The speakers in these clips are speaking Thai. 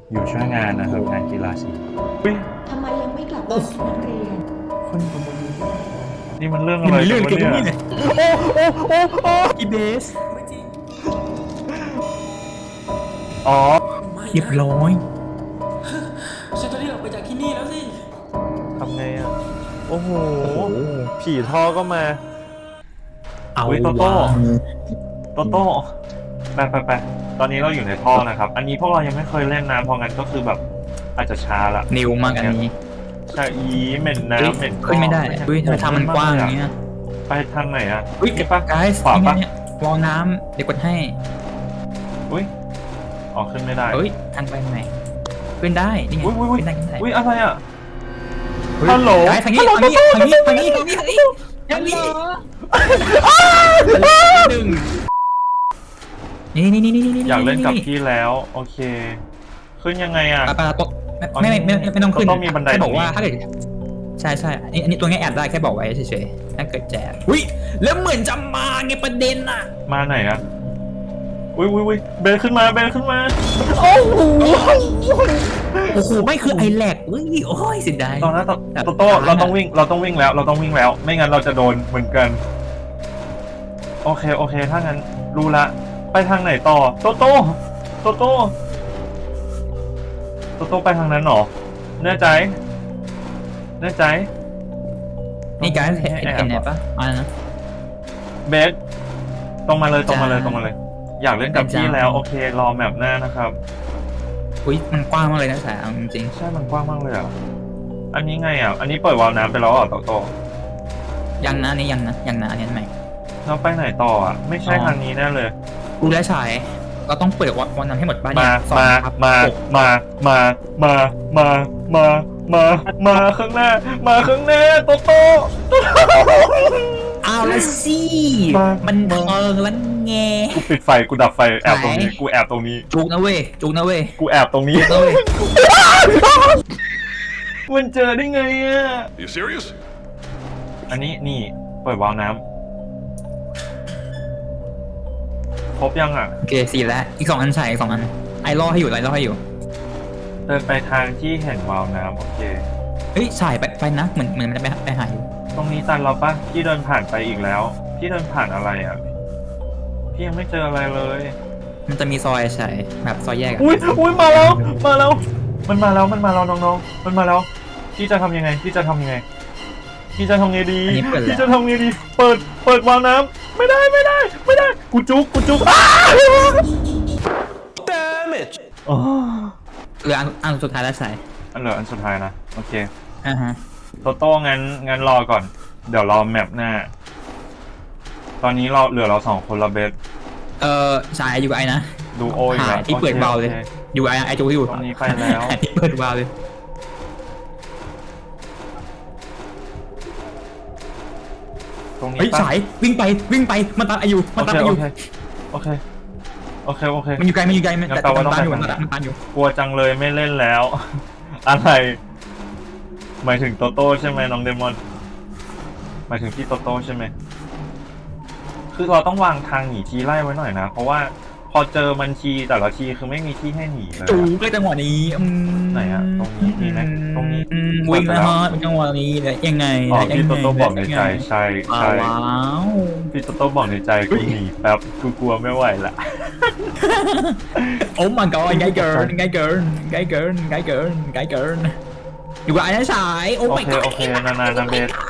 อยู่ช่วยงานนะครับงานกีฬาสีอุ้ยทำไมยังไม่กลับบ้านนักเรียนคนนี่มันเรื่องอะไรเรื่องกัเกี่ยวน กับเนี่นี่ยเลยอีเบสอ๋อเรียบร้อยฉันจะรีบออกไปจากที่นี่แล้วสิทำไงอ่ะโอ้โหผีท่อก็มาเอาอุ๊ยโตโต้ โตโต้ไปตอนนี้เราอยู่ในท่อนะครับ อันนี้พวกเรายังไม่เคยเล่นน้ำเพราะงั้นก็คือแบบอาจจะช้าละนิวมากอันนี้ใช่อีเหม็นน้ำเหม็นขึ้นไม่ได้อุ้ยทำไมทางมันกว้างอย่างเงี้ยไปทางไหนอ่ะอุ้ยนี่ปะไกด์ขวาปะเนี่ยวอลน้ำเดี๋ยวกดให้อุ้ยอ๋อขึ้นไม่ได้เฮ้ยทางไปไหนขึ้นได้นี่ไงอุ้ยขึ้นได้ขึ้นได้อุ้ยอะไรอ่ะเฮ้ยฮัลโหลไกด์ทางนี้ทางนี้ทางนี้ทางนี้ทางนี้ทางนี้ทางนี้หนึ่งนี่อยากเล่นกับพี่แล้วโอเค ขึ้นยังไงอ่ะปะตกไม่ต้องขึ้นต้องมีบันไดแค่บอกว่าตรงนี้ถ้าเกิดใช่อันนี้ตัวนี้แอบได้แค่บอกไว้เฉยๆถ้าเกิดแจกอุ้ยแล้วเหมือนจะมาไงประเด็นอ่ะมาไหนอ่ะอุ้ยเบนขึ้นมาโอ้โหไม่คือไอแลกอุ้ยโอ้ยเสียดายตอนนั้นโตโต้เราต้องวิ่งแล้ว ไม่งั้นเราจะโดนเหมือนกันโอเคถ้างั้นรู้ละไปทางไหนต่อโตโต้ไปทางนั้นหรอแน่ใจนี่การเห็นไหนปะอ่านะเบสตรงมาเลยอยากเล่นกับพี่แล้วโอเครอแมปหน้านะครับอุ้ยมันกว้างมากเลยนะสายจริงใช่มันกว้างมากเลยอ่ะอันนี้ไงอ่ะอันนี้เปิดวาล์วน้ำไปแล้วอ่ะโตยังนะนี่ยังนะอันนี้ใหม่เราไปไหนต่ออ่ะไม่ใช่ทางนี้แน่เลยกูและฉายเราต้องเปิดวันนั้นให้หมดบ้านมา 2 ข้างหน้าโตอ้าวละสิมันเทิงแล้วไงกูปิดไฟกูดับไฟแอบตรงนี้กูแอบตรงนี้จุกนะเว้ยกูแอบตรงนี้จุกนะเว้ยมันเจอได้ไงอ่ะ You serious? อันนี้นี่เปิดวาล์วน้ำครบยังอ่ะโอเค4แล้วอีก2อันฉายอีก2อันไอรอให้อยู่เดินไปทางที่เห็นวาล์วน้ำโอเคเฮ้ยฉายไปนะเหมือนมันจะไปหาอยู่ตรงนี้ตันเราปะพี่เดินผ่านไปอีกแล้วพี่เดินผ่านอะไรอ่ะพี่ยังไม่เจออะไรเลยมันจะมีซอยฉายแบบซอยแยกอะอุ้ยมาแล้วมันมาแล้วน้องๆมันมาแล้วพี่จะทำยังไงพี่จะทำไงดีอันนี้เปิดพี่แล้วจะทำไงดีเปิดวาล์วน้ำไม่ได้กูจุก Damn it! อ๋อเหลืออันสุดท้ายแล้วฉายอันเหลืออันสุดท้ายนะโอเคฮะโตโต้งั้นรอก่อนเดี๋ยวรอแมปหน้าตอนนี้เราเหลือเรา2คนละเบสฉายอยู่ไอนะดูโอ้ยหาที่เปิดเบาเลยโอคอยู่ไอจูอยู่ตรงนี้ไปแล้วหาที่เปิดวาล์วเลยตรงนี้เฮ้ยปะฉายวิ่งไปมันตามอายุโอเคมันอยู่ไกลมันงั้นแต่แปลว่ามันต้องตามอยู่ไปมันทางไหนตามอยู่กลัวจังเลยไม่เล่นแล้ว อะไรหมายถึงโตโต้ใช่ไหมน้องเดมอนหมายถึงพี่โตโต้ใช่ไหมคือเราต้องวางทางหนีทีไล่ไว้หน่อยนะเพราะว่าพอเจอมันทีแต่ละทีคือไม่มีที่ให้หนีเลยจูอะเลยจังหวะนี้ไหนอะตรงนี้มีไหมตรงนี้วิ่งนะฮะเป็นจังหวะนี้เลยยังไงอ๋อพี่โตโต้บอกในใจใช่ว้าวพี่โตโต้บอกในใจกูหนีแป๊บกูกลัวไม่ไหวละโอ้ my god ไงเกินอยู่กับไอ้นั่นฉายโอ้โอ my เค god โอเคนานๆนะเบส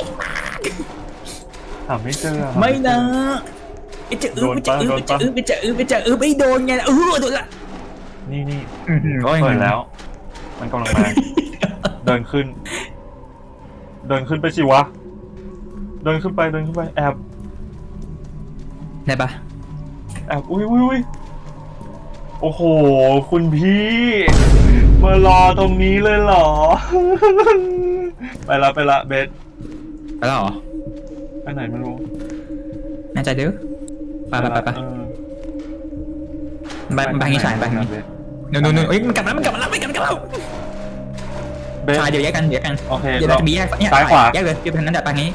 หาไม่เจอไม่นะไปเจอไปเจอไม่โดนไงโดนละนี่เปิเปิดแล้ว มันกำลังมา เดินขึ้นไปสิวะ เดินขึ้นไปแอบได้ปะอุ้ยโอ้โหคุณพี่มารอตรงนี้เลยเหรอ ไปละเบสไปแล้วเหรอไปไหนไม่รู้แน่ใจเด้อไปเออไปงี้ฉายไปงี้เบสนู่นเอ้ยมันกลับแล้วเบสฉายเดี๋ยวแยกกันโอเคเดี๋ยวเราจะมีแยกเนี่ยซ้ายขวาแยกเลยเดี๋ยวทางนั้นเดี๋ยวไปงี้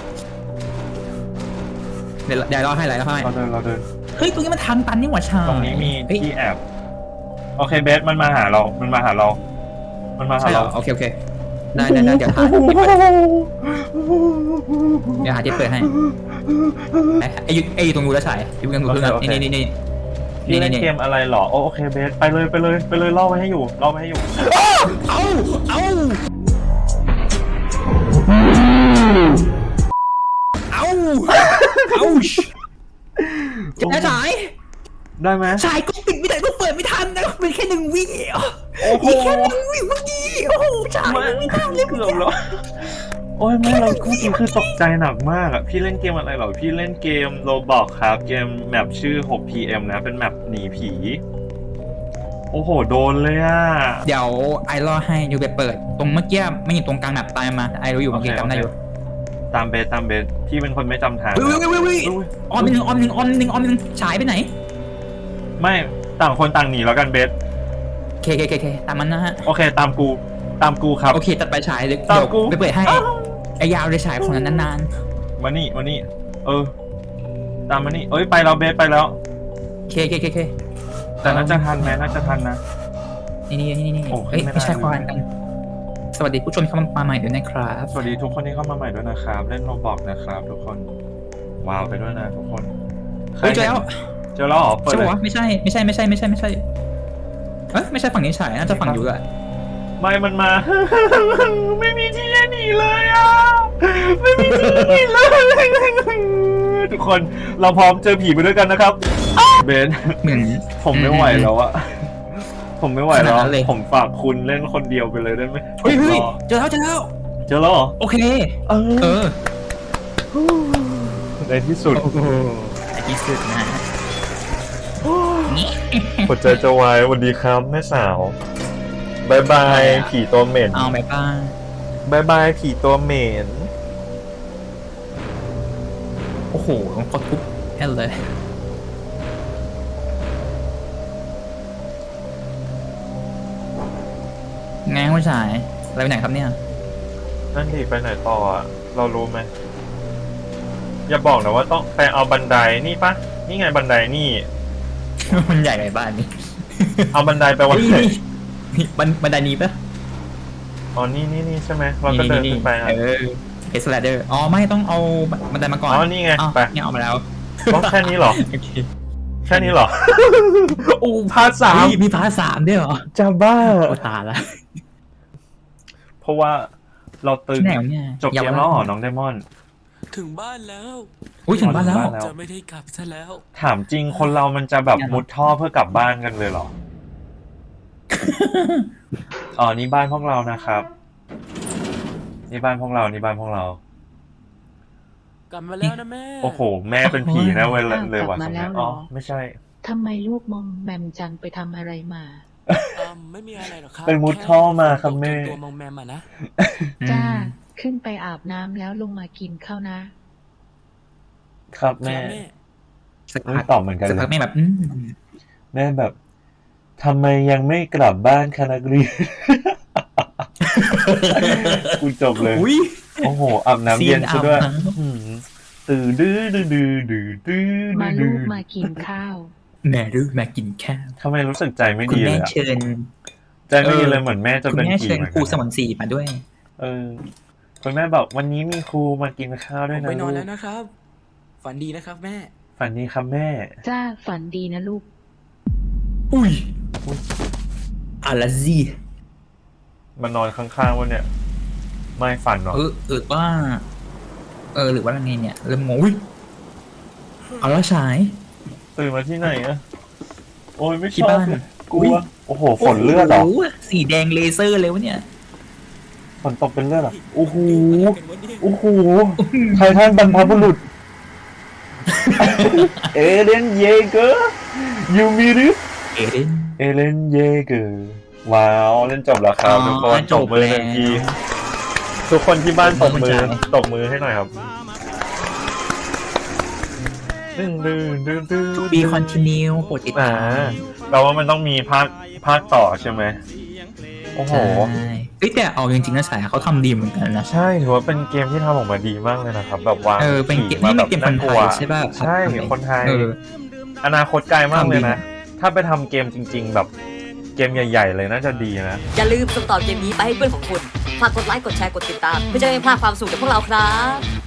เดี๋ยวรอให้เราเดินเฮ้ยตรงนี้มันทางตันนี่หว่าชายตรงนี้มีที่แอบโอเคเบสมันมาหาเรา มันมาหาเรา มันมาหาใช่เหรเราอโอเคโอเคได้เดี๋ยวหาที่เปิดเดี๋ยวหาที่เปิดให้ไอ้อยู่ตรงรูแล้วฉายอยู่ตรงรูเพื่อนนี่พี่เล่นเกมอะไรหรอโอเคเบสไปเลยล่อไว้ให้อยู่ล่อไว้ให้อยู่เอาจะฉายได้ไหมฉายก็ปิดไม่ได้ก็เปิดไม่ทันนะเป็นแค่1 วิโอ้โหแค่1 วิเมื่อกี้โอ้โหฉายไม่ทันเลยเกือบแล้วโอ้ยไม่เราเมื่อกี้คือตกใจหนักมากอ่ะพี่เล่นเกมอะไรหรอพี่เล่นเกมโรบอกครับเกมแมปชื่อ 6PM นะเป็นแมปหนีผีโอ้โหโดนเลยอ่ะเดี๋ยวไอรอให้ยูไปเปิดตรงเมื่อกี้ไม่อยู่ตรงกลางแบบตายมาไอรู้อยู่เมื่อกี้จำได้อยู่ตามเบสพี่เป็นคนไม่จำทางเฮ้ยออมหนึ่งฉายไปไหนไม่ต่างคนต่างหนีแล้วกันเบสเคตามมันนะฮะโอเคตามกูครับโอเคตัดไปฉายเดี๋ยวตามกูไปเปิดให้ไอยาวเลยฉายของนั้นนานมานี่ตามมานี่เอ้ยไปแล้วเบสไปแล้วเคแต่น่าจะทันไหมน่าจะทันนะนี่โอ้ขึ้เอ้ยนไม่ได้ไม่ใช่ควานกันสวัสดีผู้ชมเข้ามาใหม่ด้วยนะครับสวัสดีทุกคนที่เข้ามาใหม่ด้วยนะครับเล่นโรบอกนะครับทุกคนว้าวไปด้วยนะทุกคนเฮ้ยเจอแล้วเจอแล้วเหรอเปิดใช่เลยปะวะไม่ใช่ไม่ใช่ไม่ใช่ฝั่งนี้ฉายน่าจะฝั่งยูอะไม่มันมา ไม่มีที่จะหนีเลยอ่ะไม่มีที่หนีเลยทุกคนเราพร้อมเจอผีไปด้วยกันนะครับเบนเหมือนผมไม่ไหวแล้วอะผมไม่ไหวแล้วขนาดนั้นเลยผมฝากคุณเล่นคนเดียวไปเลยได้ไหมเฮ้ยผมรอเจอแล้วเจอแล้วเหรอโอเคเออในที่สุดโอ้โหไอ้ที่สุดนะหัวใจจะวายสวัสดีครับแม่สาวบายบายผีตัวเหม็นเอาไปบ้างบายบายผีตัวเหม็นโอ้โหกดทุบแค่เลยไงผู้ชายอะไรไปไหนครับเนี่ยนั่นดิไปไหนต่ออะเรารู้ไหมอย่าบอกนะว่าต้องไปเอาบันไดนี่ปะนี่ไงบันไดนี่มันใหญ่ไงบ้านนี้เอาบันไดไปวันไหนนี่บันไดนี้ปะอ๋อนี่ใช่ไหมเราก็เดินขึ้นไปอ่ะเอสแลเดอร์อ๋อไม่ต้องเอาบันไดมาก่อนอ๋อนี่ไงอ้าวไปเนี่ยเอามาแล้วต้องแค่นี้เหรอโอเคแค่นี้เหรอ โอ้พาร์ทสามเฮ้ยมีพาร์ท3ด้วยเหรอจะบ้าโอ้ตายละเพราะว่าเราตึงที่ไหนวะเนี่ยจบเกมแล้วเหรอน้องไดมอนด์ถึงบ้านแล้วอุ้ยถึงบ้านแล้วถึงบ้านแล้วจะไม่ได้กลับซะแล้วถามจริงคนเรามันจะแบบมุดท่อเพื่อกลับบ้านกันเลยเหรอ อ๋อนี่บ้านพวกเรานะครับ นี่บ้านพวกเรากลับมาแล้วนะแม่โอ้โห แม่เป็นผีนะเว้ยเลยว่ะกลับมาแล้วเหรออ๋อไม่ใช่ทำไมลูกมองแมมจังไปทำอะไรมาไม่มีอะไรหรอกครับเป็นมุดท่อมาครับแม่ตัวมองแมมอ่ะนะจ้า ขึ้นไปอาบน้ำแล้วลงมากินข้าวนะครับแม่ครับแม่สักไม่พักตอบเหมือนกันสักเลพักยแม่แบบแม่แบบทำไมยังไม่กลับบ้านคะนักเรียน กูจบเลยอุ้ยโอ้โหอาบน้ำเย็นซะด้วยซีนอาบน้ำอืมตื่นดื้อดื้อมาลูกมากินข้าวแม่รู้แม่กินข้าวทำไมรู้สึกใจไม่คุณดีเลแม่ยอะเชิญใจไม่ดีเลยเหมือนแม่จะคุณเป็นแม่ผีเชิญเหมือนครูกันสมรศรีมาด้วยคุณแม่บอกวันนี้มีครูมากินข้าวผด้วยมนะไปนลูอนกแล้วนะครับ ฝันดีนะครับแม่ฝันดีครับแม่จ้าฝันดีนะลูกอุ้ยอะไรสิมานอนข้างๆวันเนี่ยไม่ฝันหรอว่าหรือว่าอะไรเนี่ยเริ่มงงอุ้ยเอาแล้วฉายตื่นมาที่ไหนอะโอ้ยไม่ชที่อบบ้านกลัวโอ้โหฝนเลือดเหรอโโหสีแดงเลเซอร์เลยวะเนี่ยฝนตกเป็นเลือดเหรอโอ้โหเป็นวันนี้โอ้โหไททันบรรพบุรุษ เอเลนเยเกอร์ยูมิริเอเดนเอเลนเยเกอร์ว้าวเล่นจบแล้วครับทุกคนจตบบมือแล้วทันทีทุกคนที่บ้านตบมือขอบคุณจ้ะตบมือให้หน่อยครับดื้อ To be continue โปรดติดตามเราว่ามันต้องมีภาคต่อใช่ไหมโอ้โหใช่เอ้ยแต่เอาจริงๆนะฉายเขาทำดีเหมือนกันนะใช่ถือว่าเป็นเกมที่ทำออกมาดีมากเลยนะครับ แบบวางเป็นเกมผีนี่มาเป็นเกมคนน่าไทกลัวยใช่ป่ะใช่คนไทยเอออนาคตไกลมากเลยนะทำดีถ้าไปทำเกมจริง ๆ แบบเกมใหญ่ๆเลยน่าจะดีนะอย่าลืมส่งต่อเกมนี้ไปให้เพื่อนของคุณ ฝากกดไลค์ กดแชร์ กดติดตาม เพื่อจะไม่พลาดความสนุกจากพวกเราครับ